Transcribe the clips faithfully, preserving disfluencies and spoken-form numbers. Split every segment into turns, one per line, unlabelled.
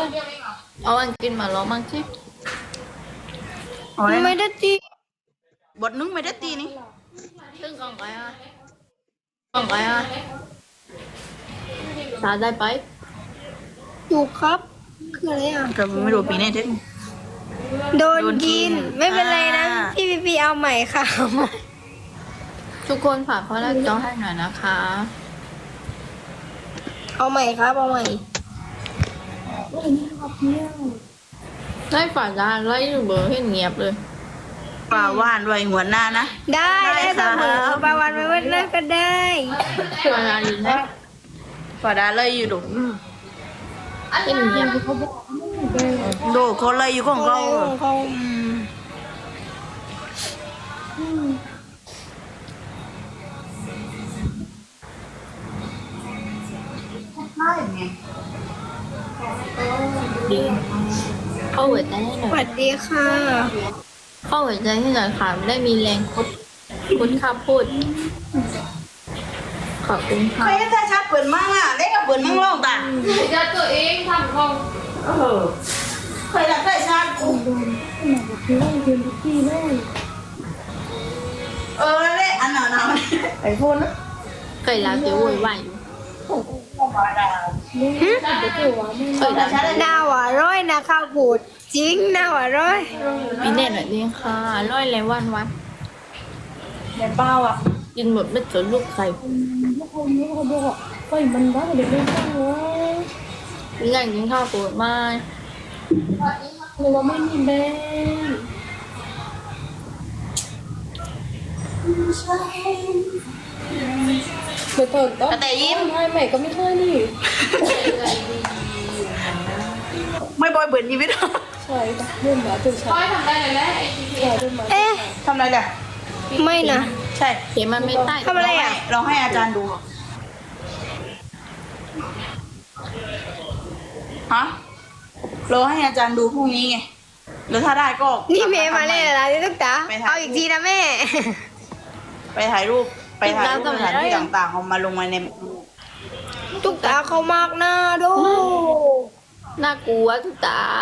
เอาอันกินมาแล้วมั้งสิ
ไม่ได้ตี
บทนึงไม่ได้ตีนี่
ซึ่งกล่องไก่อ่ะกล่องไก่อ่ะตาได้ไป
อยู่ครับคืออะไรอ่ะ
ก็ไม่รู้ปีนี้ถึง
โดน
โดนกิ
กิ
น
นไม่เป็นไรนะ
อ่า
พี่พีพีเอาใหม่ค่ะเอาใหม่
ทุกคนฝากเขาแรกจอให้หน่อยนะคะ
เอาใหม่ครับเอาใหม่
ได้ฝากร้านไล่เบอร์ให้เงียบเลย
ปลาว่านไว้หัวหน้านะ
ได้
ได้
ได้เสมอ
ครับ
ประวันไม่วันนั้นก็ได้
เวลาดีนะ
ปลาดาเลยอยู่ดู
ให้เงียบ
ดูเขาเลยอยู่ของเขา
อะไรของเขา
อืมใช่ไง
ดีเข้าหัวใจให้ห
ส
น่อ
วั
ย
สดีค่ะ
เข้าหัวใจให้หน่อยค่ะไม่ได้มีแรงคุดคุดข้าพูดขอบคุณค่ะ
ใครถ้าชัดเปิดมั่งอ่ะเล็กกับเปิดมั่งร้องตา
จะตัวเองทำของ
เออใครรักใครชัดเออแล้วเนี่ยอันหนาวหนาวไอโฟนนะ
เคยรักจะโวยวายอยู่เคยรัก
หน้าหวานร้อยนะข้าวบูดจริงหน้าหวานร้อย
มีแน่หน่อยดีค่ะร้อยเลยวันวัน
เห็นเปล่าอ่ะ
กินหมดไม่สนลูกใคร
มันบ้าเด็กเล่นข้างหัว
มีแรงกินข้าวปวดมาก
หรือว่าไม่มีแบงเปิดเปิดต้อง
แต่ยิ้ม
ไม่ใหม่ก็ไม่เคยนี่
ไม่บอยเบิร์นชีวิต
ใช่ปะเริ่มมาตื่นเช้าทำได้เลยแหละใช่เริ่มมา
เอ๊ะ
ทำอะไรเนี่ย
ไม่นะ
ใช่
เขียนมันไม่ใต้
ทำอะไรอ่ะ
เราให้อาจารย์ดูฮะเราให้อาจารย์ดูพรุ่งนี้ไงแล้วถ้าได้ก็
นี่เมย์มาเล่นอะไรนี่ตุ๊กตา
ไปถ่าย
เอาอีกทีนะแม่
ไปถ่ายรูปไปถ่ายรูปสถานที่ต่างๆเอามาลงมาใน
ตุ๊กตาเขามากหน้าดู
น่ากลัวทุกตา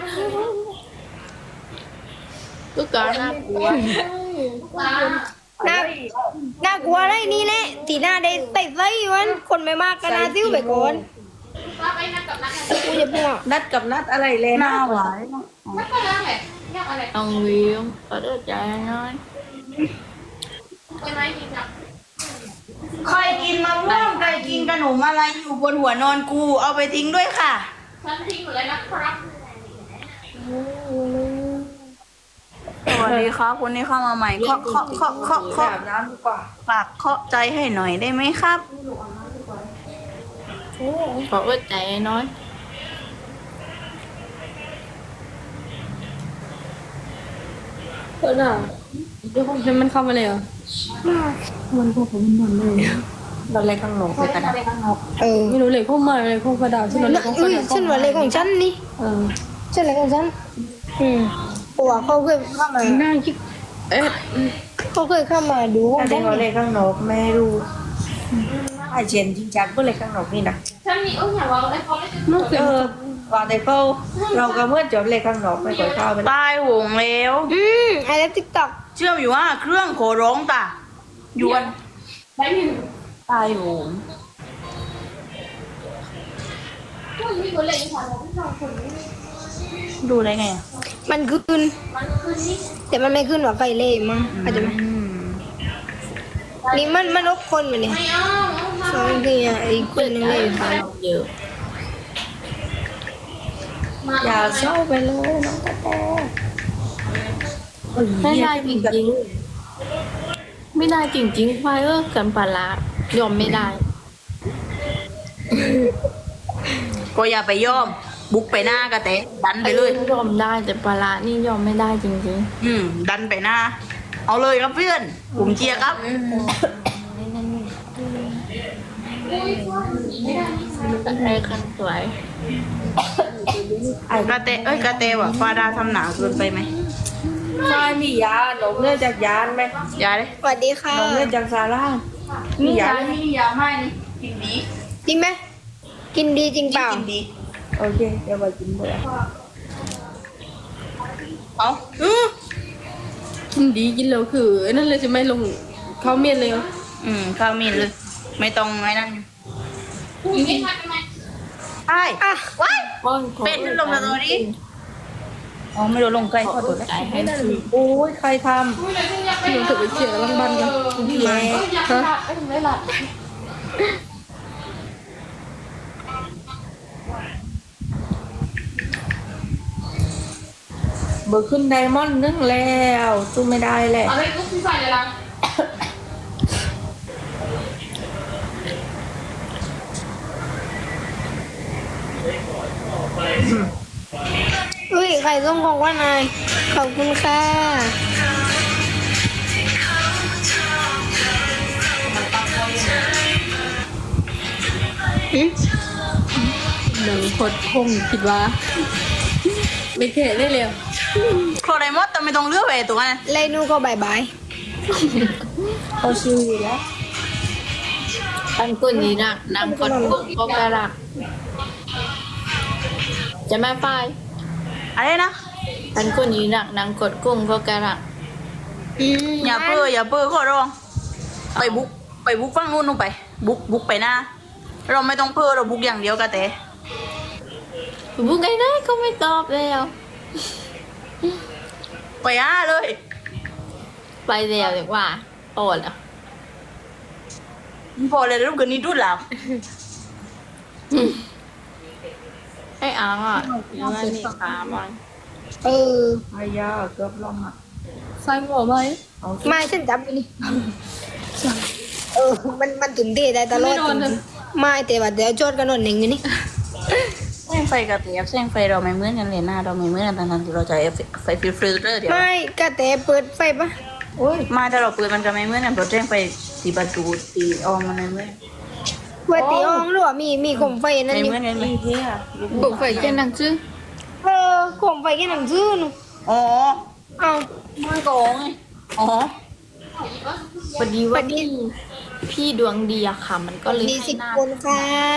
ทุกตาน่ากลัว
น่าน่ากลัวอะไรนี่แหละตีหน้าได้ใส่ไส้วันคนไม่มากกันนะซิ้วไปก่อนกูจะพูด
นัดกับนัดอะไรเลยหน้าหวาน
ไม่ก็แล้วแหละยากอะไร
ต้องวิวขอเดินใจน้อย
เป็นไรจริงจัง
ใครกินมะม่วงใครกินขนมอะไรอยู่บนหัวนอนกูเอาไปทิ้งด้วยค่ะ
ฉันทิ้งหมดเลยนะครับ
สวัสดีครับคนนี้เข้ามาใหม่เคาะเคาะเคาะเคาะเคาะน้ำดีกว่าฝากเคาะใจให้หน่อยได้ไหมครับ
ขอเดินใจน้อย
เออน่ะเดี๋ยวผมมันเข้ามาเลยเหรอมันพวกผมมันเลย
เราเล็กข้างหลงไปกันนะ
เออ
ไม่รู้เลยเข้ามาเลยเข้ากระดาษฉันเลยเข้าก
อุ้
ระ
ย
ดาษ
ฉันว่าอะไรของฉันนี่
เออ
ฉันอะไรของฉันอืมเพราะว่าเขาเคยเข้ามา
น่าคิดเอ๊ะ
เขาเคยเข้ามาดูของ
อัน
ฉั
นี้
น
เขาเล็กข้างนอกไม่รู้ไอเจนจริงจังก็เล็กข้างนอกนี่นะ
ฉันมีเอออยากว่าอะไรเขาไม่จะ
เออว่าแต่เขาเราก็เมื่อจบเล็กข้างนอกไม่ก่อยเข้าไปตายหงแล้ว
อืมไอ้เล็บติ๊กต็อก
เชื่อมอยู่ว่าเครื่องโขร้องตาหยวน
ได้ยิน
ตายหง
พวกนี้คนเล่นค่ะเราไม่ชอบคนนี้
ดูได้ไงอ่ะ
มันขึ้น
มันคือนี่
แต่มันไม่ขึ้นว่าไฟเล่มั้งอาจจะไหม
อืม
นี่มันมันลบคนมาเนี่ย
ไม่เอา
สองทีอ่ะอีกคนหนึงเลยค่ะ
เยอะ
อย่าเศร้าไปเลยน้องตาโต
ไม่ได้จริงๆไม่ได้จริงๆไฟเออกันปลาร้ายอมไม่ได้
ก็อย่าไปยอม บุกไปหน้ากระเตะดันไปเลย
ยอมได้แต่ปลาร้านี่ยอมไม่ได้จริง
อืม ดันไปหน้า เอาเลยครับเพื่อนผมเชียร์ครับ
ๆไอ้คันสวย
ไอ้กระเตะเอ้ยกระเตะว่ะฟาดาทำหนาเกินไปไหม
ใช่มียาหนมเลือดจากยานไหม
ยาเลย
สวัสดีค่ะ
หนมเลือดจากซาร่ามียา
ไม่มียาไม่นี่กินดี
จริงไหมกินดีจริงเปล่า
กินดี
โอเคเดี๋ยวไปกินเบอร์
เอา
กินดีกินแล้วคือไอ้นั่นเลยจะไม่ลงเขาเมียนเลยเหรอ
อืมข้าวมีดเลย ไม่ต้องไอ้นั่นไอ้
อ่ะ
ว้าย
ป้อนขอ
เป็ดลงมาตัวนี้ อ๋อไม่รู้ลงใกล้ขอตัวแล้ว
ใจให้คือ
โอ้ยใครท
ที่มันถึงไปเขี่ยกับลังบันกัน
ำแย่
ฮะ
เบอร์ขึ้นไดมอนด์นึงแล้วสู้ไม่ได้แหละ
อุ้ยใครส่งของว่านายขอบคุณค่ะหืม
หนังคดคงคิดว่า ไม่แค่ได้เลย
โครไดมอสแต่ไม่ต้องเลือกไปตัวนั้น
ไลนูก็บายบาย
เขาชิวอยู่แล้ว
ปันกุนนี้นักนางกดกุ้งก็กระรักจะมาไฟ
อะไรนะ
ปันกุนนี้นักนางกดกุ้งก็กระรัก
อืม
อย่าเปื้ออย่าเปื้อขอร้อง ไปบุกไปบุกฟังนู่นนู่นไป บุกบุกไปหน้า เราไม่ต้องเปื้อเราบุกอย่างเดียวกันแต่
บุกไงได้ก็ไม่ตอบแล้ว
ไปอ่ะเลย
ไปแล้วดีกว่าโอดแล้ว
พอเลยรูปกันนี้ดูแล้ว
ไอ้อังอ่ะยังไงนี่ขามัน
เออ
ไอ้ยาเกือบลองอ่ะ
ใส่หัวไหม
เอาสิ
ไม่ฉันจับอยู่นี่เออมันมันตุ่นเตะได้ตลอดจริงๆไม่แต่ว่าเดี๋ยวโจทย์กันหน่อยหนึ่งอยู่นี่
แสงไฟกับเตียบแสงไฟเราไม่เหมือนกันเลยหน้าเราไม่เหมือนกันทั้งๆที่เราใช้ไฟฟิลเตอร์เดียว
ไม่ก็แต่เปิดไฟปะ
โอ้ย
มาถ้าเราเปิดมันก็ไม่เหมือนกันเพราะแสงไฟตีประตูตีออกมันไม่เหมือน
เปิดตีห้องหรือว่ามีมีโคมไฟนั่น
ไม่
นี่
เหมือนกันไหม
มีเที่ย
บุกไฟแค่นังชื่อ
เออโคมไฟแค่หนังซื้อหนู
อ๋อ
เอา
มันโกงไงอ๋อ
พอดีว่าพี่พี่ดวงดีอะค่ะ มันก็เลย
ดี
ให้
สิบ
หน้า
คนค่ะ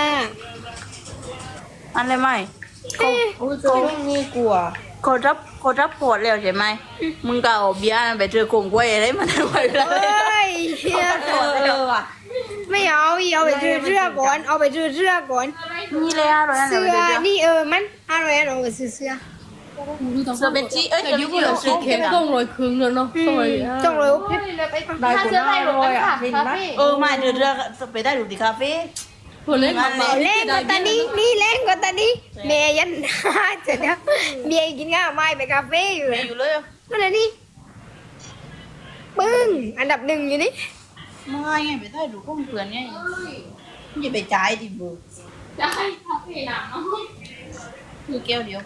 อันเลยไหม
เอ๊ะ
โอ้ยจะต้องมีกลัว
เขารับเขารับโพดแล้วใช่ไหมมึงก็เอาเบียร์ไปเจอโกงกล้วยอะไรมันไว้เล
เอ้
ย
ยเชี่ย
เออเออว่ะ
ไม่เอาอีเอาไปซื้อเสื้อก่อนเอาไปซื้อเสื้อก่อน
นี่เลยอ่ะร้อยอัน
เสื้
เดี
อ
ยว
นี่เออมันอร่อยอร่อยซื้อเสื้อ
เสื้อเบนจี้เอ้ย
แต่
เสื้อ
ยุ
เบ
คน เรา
จี้
เค้กต้องโรยครึ่งแล้วเนาะ
อื
ส
ม
วย
ต้องเลย
ได้กูน่าอร่อยอ่ะเห็นไหม
เออมาเดือดเรือไปได้ดูที่คาเฟ่
คนเล่น
มั
มาน
เล่
เอาแรงกว่าตานี้นี่แรงกว่าตานี้เมย์ยันเสร็จแล้วเมียกินข้าวไม่ไปคาเฟ่อยู่
ไปอยู่เลย
นั่นแหละนี่ปึ้งอันดับหนึ่งอยู่นี่
ไม่ไงไปได้ดูข้องเพื่อนไงอย่าไปจ่ายดิบู
ได้คาเฟ่หนังเนาะ
คือแก้วเดียว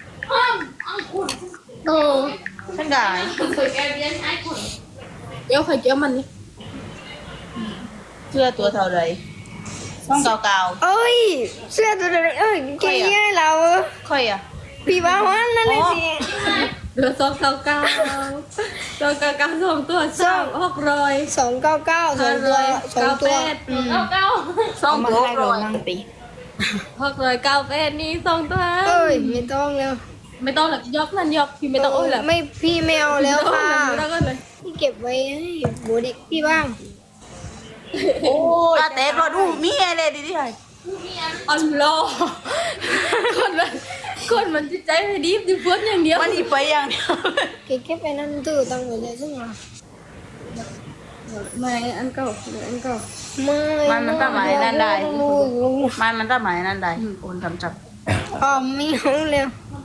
โอ้
ฉันได้
เคยแกเรียนให้คน
เกี้ยวไข่เกี้ยวมันนี่
เสื้อตัวเท่าไรต้องเก่า
เอ้ยเสื้อตัวเดียวเอ้ยเก๋เรา
ๆค่อยอ่ะ
พี่บ้าวันนั่นเลยสิ
เหลือสองเก้าเก้าสองเก้าเก้าสองตัวสองหกร้อย
สองเก้าเก้าสองตัวสองตัวอืม
เก้าเก้า
สองตัวร้อย
หกร้อยเก้าแปดนี่สองตัว
เอ้ยไม่ต้องแล้ว
ไม่ต้องหรอกยกนั่นยกพี่ไม่ต้องโอ้ยหรอก
ไม่พี่ไม่เอาแล้วค่ะ
ไม่ต้องเลย
พี่เก็บไว้ให้โบเด็กพี่บ้าง
โอ้ยแต่รอดูมีอะไรดีที่ไหน
อัลลอฮ์คนมันคนมันจิตใจไม่ดีดิเพื่อนอย่างเดียว
มันอีไปอย่างเดียว
เก็บเก็บไปนั่นตู้ตังไว้เลยซึ่งอ่ะ
ไม่อันเก่าอันเก่า
ไม่
มันมันตั้งหมายนั่นได้
โอ้ย
มันมันตั้งหมายนั่นได้โอนทำจับ
อ๋อไม่เอาแล้ว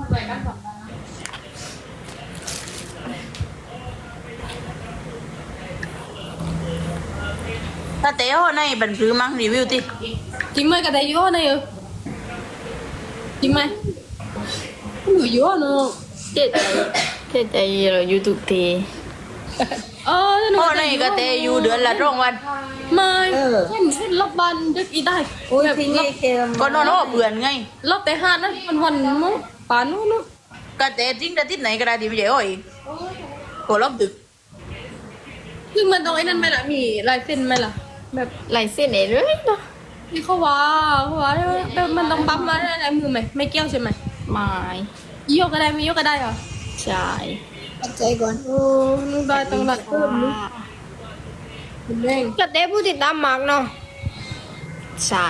ถ้าเตะห่อในบันทึกมั้งรีวิวติ
จริงไหมกระไดย่อในเออจริงไหมหนูย่อเนาะ
เจ็ดใจเจ็ดใจเรายูทูบที
เออหนู
ห่อในก็เตะอยู่เดือนละสองวัน
ไม่เห็นเห็นรอบบันจะกี่ได้
โอ้ย
แบบ
ที่
รอ
นี่
บ
เค็ม
ก็นอนห่อเบื่อนไง
รอบแต่ห้านั้นมันวันมั้งป่านนู้นเนาะ
ก็เตะจริงแต่ที่ไหนก็ได้ดีไม่ใช่ห่ออีกก็รอบดึก
คือมันตรงไอ้นั่นไหมล่ะมีลายเส้นไหมล่ะแบบ
ลายเส้นเอ๋เลยเนาะ
นี่เขาว่าเขาว่าแบบมันต้องปั๊มมาอะไรมือไหมไม่เกี่ยวใช่ไหม
ไม้
ยกก็ได้ไม่ยกก็ได้เหรอ
ใช่
ปัจใจก่อน
โอ้นึกได้ต้องรัดเพิ่มนึกคุณแม่ง
กระเตะผู้ติดตามมากเนาะ
ใช่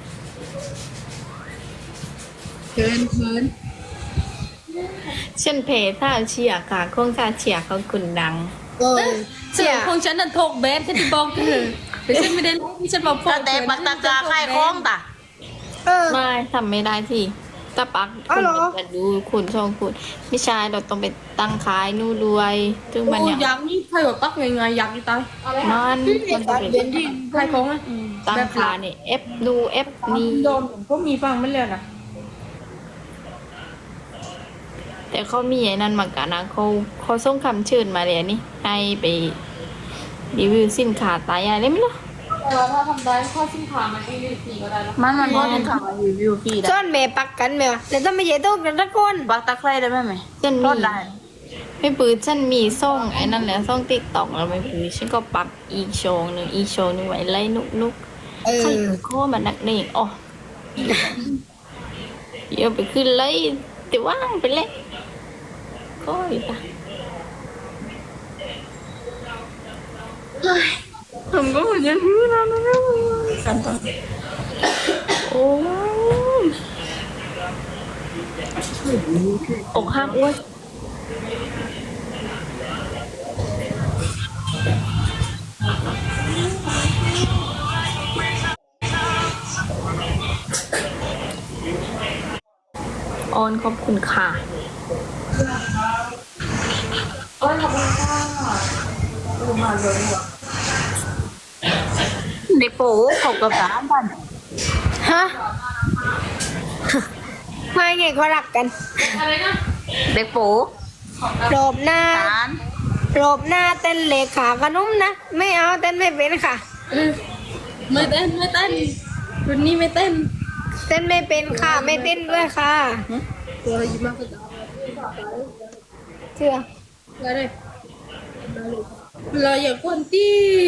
เกินเกิน
เช่นเพจถ้าเชียร์ค่ะโครงการเชียร์เขาคุณดัง
เออ
เสี
เสี
ย
ย
ของฉันนั่นโทกแบนฉันที่บอกเธอแต่ฉันไม่ได้ที่ฉันบอก
ก็แต่ปักตะกาค่ายคล้องตะ
เออ
ไม่ทำไม่ได้ที่ตะปัก
อ้าวเหรอ
คุณจะดูคุณช่องคุณไม่ใช่เราต้องไปตั้งขายนู่นด้วยซึ่งมัน
โอ้
เนี่ย
ยักษ์นี่ใครบอกปักยังไงยักษ์นี่ตาย
มันมันจะเป็น
ใครของอ่ะ
ตั้งขายเนี่ยเอฟดูเอฟนี่
โดนผมก็มีฟังไม่เลยนะ
แต่เขามีไอ้นั่นเหมือนกันนะเขาเขาส่งคำเชิญมาเลยนี่ให้ไปรีวิวสินค้าตายอะไรไม่รู้
แต่ว่าถ้าทำได้ข้อสิ้นขามันก็ยืดสีก็ได้แล้ว
มันมันพอที่ทำรีวิวพี่ได้
ซ่อนแม่ปักกันแม่วะแล้วต้องไม่ใช่โต๊ะกันทุกคน
ปักตะไคร้ได้ไหมไหม
ฉัน
ร
มี
อดได้
ไม่ปืนฉันมีส่งไอ้นั่นแหละส่งติ๊กต็อกแล้วไม่ปืนฉันก็ปักอีกโชว์หนึ่งอีกโชว์หนึ่งไว้ไล่นุกนุก
เอ
ใคร
อ
โคมันนักเนงอ๋อเดี๋ยวไปขึ้นเลยแต่ว่างไปเลยก็อีกอ่ะ
ผมก็เหมือนยันพื้นนะนะกันต่อ
โอ้ยอกหักอ้วยออนขอบคุณค่ะ
ในโป๊เขากับสามพัน
ฮะไม่ไงเขารักกัน
เด็กโป๊
โรบหน้า
สาร
โรบหน้าเต้นเหล็กขาขนมนะ ไม่เอาเต้นไม่เป็นค่ะ
ไม่เต้นไม่เต้นรุ่นนี้ไม่เต้น
เต้นไม่เป็นค่ะ ไม่เต้นด้วยค่ะ
ตัวเรายิ้มมากก็จะ
เชื่อ
ได้เลยเราอย่ากวนตี้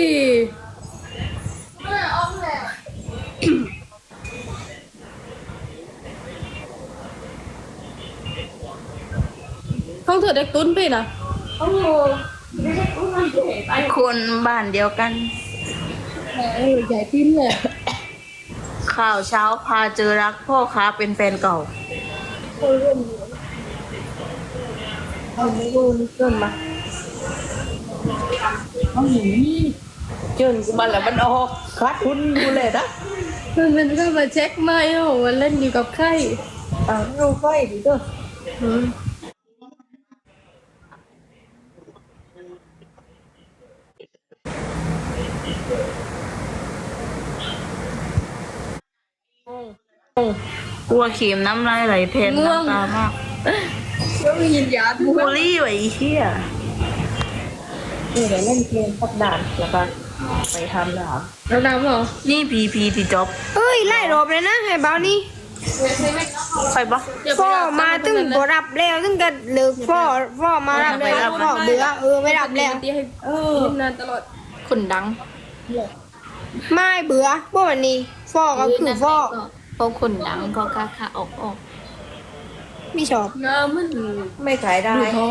ต้องเถอะเด็กตุ้นไปนะ
คนบ้านเดียวกัน
เออใหญ่ติ้นเลย
ข่าวเช้าพาเจอรักพ่อค้าเป็นแฟนเก่า
ไม่รู้นี่เกินมาเจินกูมาแล้วมันออกคัดทุนกูเลยนะ
มันมันก็มาเช็คไม่โอ้วันเล่นอยู่กับใคร
อ้าวเราไฟดิเด้อ
อืม
กลัวเข็มน้ำลายไหลเพนน้ำตามาก
ก็มียินยาทุก
บูลลี่ไว้ไอ้เหี้ย
นี่เดี๋ยวเล่นเกมสักด่านแล้วก็ไปทำหนา
เราดำเหรอ
นี่พีพีที่จ็อบ
เอ้ยไล่โรบเลยนะให้เบานี่
ใครปะ
พ่อมาตึงบ่รับแล้วตึงกันเลิกพ่อพ่อมารับแล้วพ่อเบื่อเออไม่รับแล้ว
ให้เออยิ้มนานตลอด
คุณดัง
ไม่เบื่อพวกวันนี้พ่อก็คือพ่อ
พวกคุณดังก็กล้าค่ะออกออก
ไม่ชอบ
งามมัน
ไม่ขายได้
ดูทอ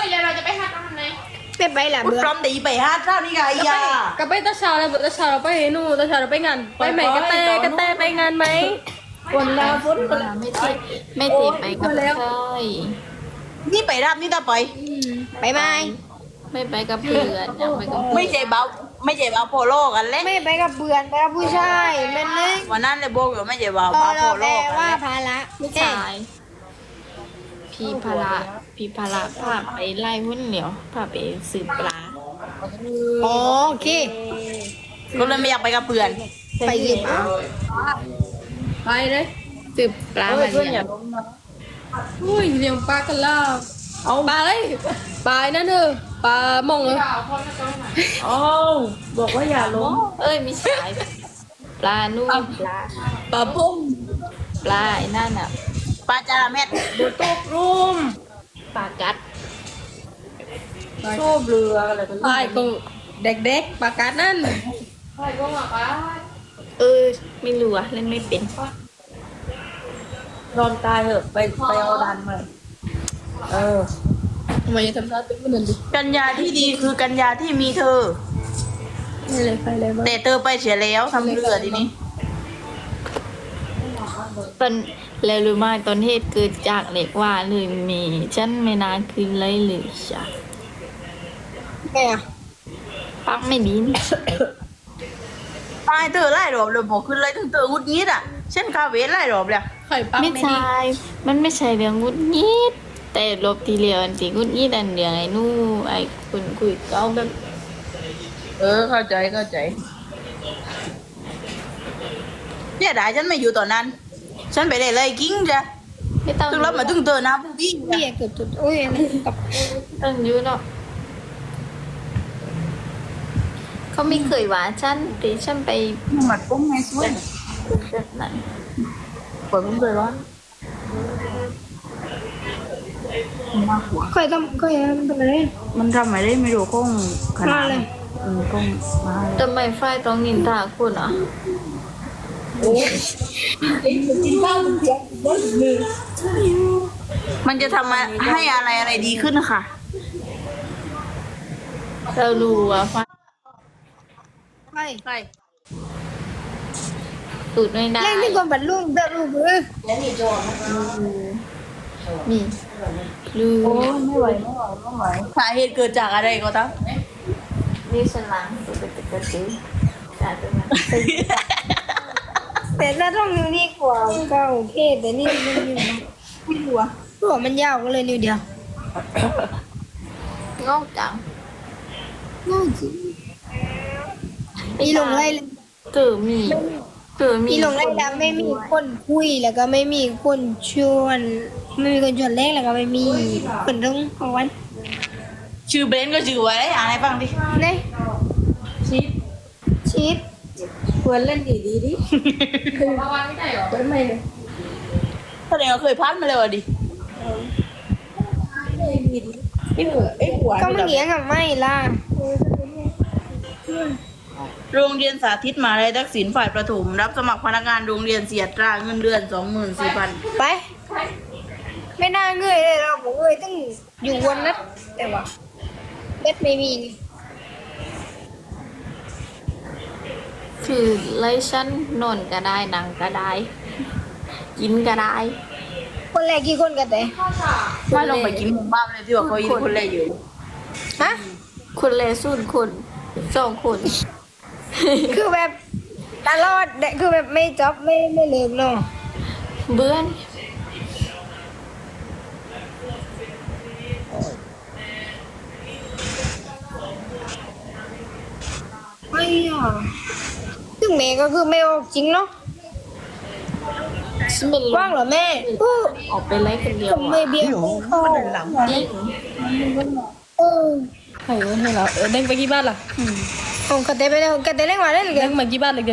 ไม่ไปละ
กู
เบื่อ
พร้อมตีไปฮาเท่านี้ไงยา
กับไปตาชาแล้วตาชาเราไปนู่นตาชาเราไปงานไปไหมกระแตกระแตไปงานไหม
คนลาฝนคนลา
ไม่ติไม่ติไปกับใคร
นี่ไปรับนี่ตาไป
ไปไหม
ไม่ไปกับเพื่อนอยากไปกับ
ไม่ใช่เบาไม่ใช่เบาโพโลกันเลย
ไม่ไปกับเบื่อนไปกับผู้ชายเป็นเลย
วันนั้นเลยโบกอยู่ไม่ใช่เบา
พอ
เบาโพ
เรา
โล
แปล
กัน
ว่า
เลย
ภาระ
ผู้ชายพี่พละพี่พละพาไปไล่หุ้นเหนียวพาไปสืบปลา
โอเค
ก็เลยไม่อยากไปกับเพื่อน
ไปหยิบเอา
ไปเลย
สืบปลา
เฮ้
มาย
เพื่อนอ
เนี่
ย่าย ลงนะ
อุ้ยเลี้ยงปลากันล่าเอาปลาเลยปลานั่นเออปลามองเลย
อ๋อบอกว่าอย่าลง
เอ้ยมีสายปลานู่นปลา
ปลาพุ่ม
ปลาไอ้นั่นอ่ะ
ปลาจาระเม็ด
ดูตกรุม
ปลากัด
โซ่เรืออะไรกัน
ปลาก็เด็กๆปลากัดนั่น
ปเออ ไม่รู้อะเล่นไม่เป็น
นอนตายเถอะไปไปเอาดันมาเออ
ทำไมจะทำหน้าตึ้งมันนั่นดิ
กัญญาที่ดีคือกัญญาที่มีเธอ
ไม่เลยใครเลยบ้าง
แต่เธอไปเสียแล้วทำเรือทีนี้
ตอนแล้วรู้ไหมตอนเหตุเกิดจากเหล็กว่าเลยมีฉันไม่นานคืนเลยหรือจ้ะ
แม่อะ
ปักไม่ดีนี่
ตายเธอไล่รอบเลยบอกขึ้นเลยถึงเธอหงุดหงิดอ่ะเช่นคาเวไล่รอบเลย
ไข่ปัก
ไม่
ไม่
ใช่
ดี
มันไม่ใช่เรื่องงุดหงิดแต่ลบทีเดียวอันที่งุดหงิดอันเดียวไอ้นู่ไอ้คนคุยก็แบบ
เออเข้าใจเข้าใจเนี่ยได้ฉันไม่อยู่ตอนนั้น ฉันไปได้เลยกิ้งจ้ะ
ไม่ต้อง
ถึงรับมาถึงเธอนะผู้พี่
เบี้ยเกิดจุดโอ้ยอันนี้กับ
ต้องอยุ่เนาะเขาไม่เคยว่าฉันแต่ฉันไป
หมัดปุ้งไงสวย
แบบนั้น
เปิดมันเลยร้อนมาหัว
เคยทำเคยทำเป็นอะไร
มันทำไมได้ไม่รู้ก้องขนา
มา
ด
เลย
เออก้องมาเลย
ทำไมฝ้ายต้องนินทาคุณอ่ะ
มันจะทำมาให้อะไรอะไรดีขึ้นค่ะ
เรารู้ว่าฝ้าย
ใช่
ใช่
ตูดไม่ได้
เล่นที่คนบัดลูกเดินลูกเออ
มีรู้
ไม่ไหวไม่ไหวไม่ไหวสาเหตุเกิดจากอะไรก็ตาม
นี่ฉันล้างตัวเป็นตะกะซื้อจากตรงนั้น
แต่ถ้าต้องนิ้วนี่กว่าก็โอเคแต่นี่มันนิ้ว
ไม่รู้อะ
หัวมันยาวก็เลยนิ้วเดียว
งอกจัง
ง่ายจริงมีลงไล่
เกิดมีเกิดมี
มีลงไล่แล้วไม่มีคนคุยแล้วก็ไม่มีคนชวนไม่มีคนชวนเล่นแล้วก็ไม่มีคนต้องเอาวัน
ชื่อเบนก็ชื่อไว้อ่านให้ฟังดิ
เนี่ย
ชีส
ชีส
ควรเล่นดีดีดิว่าวันไม่ได้หรอไม่ไม่เลย
แสดงว่าเคยพัดมาเลยว่ะดิ
ไอ้หัวไอ้หัว
ก็ไม่เลี้ยงกับไม่ล่ะ
โรงเรียนสาธิตมหาลัยทักษิณฝ่ายประถมรับสมัครพนักงานโรงเรียนเสียตราเงินเดือนสองหมื่นสี่พัน
ไป ไม่น่าเงยเลยเราบอกเงยต้องอยู่วันนั้นแต่ว่าเบ็ดไม่มีนี่
คือไล่ฉันนอนก็ได้นั่งก็ได้ กินก็ได้
คนแรกกี่คนกันแต่
ไม่ลงไปกินหมูบ้านเลยที่ว่าเขายินคนแรกอยู่
ฮะ
คนเลสุนคนสองคน
คือแบบตลอดเด็กคือแบบไม่จบไม่ไม่เลิกเนาะ
เบื่อน
ไม่อ่ะซึ่งแม่ก็คือไม่ออกจริงเนาะ
ฉันเป็น
ว่างเหรอแม่อู้
ออกไปไล่คนเดียว
ผมไม่
อ่ะ
เบี้ยเข้า
จริง
เออ
ไข่วันให้เราเออเด้งไปกี่บ้านล่ะ
ของกระเตไปแล้วกระเตเล่นมาได้หรือไง
เด้งมากี่บ้านเลย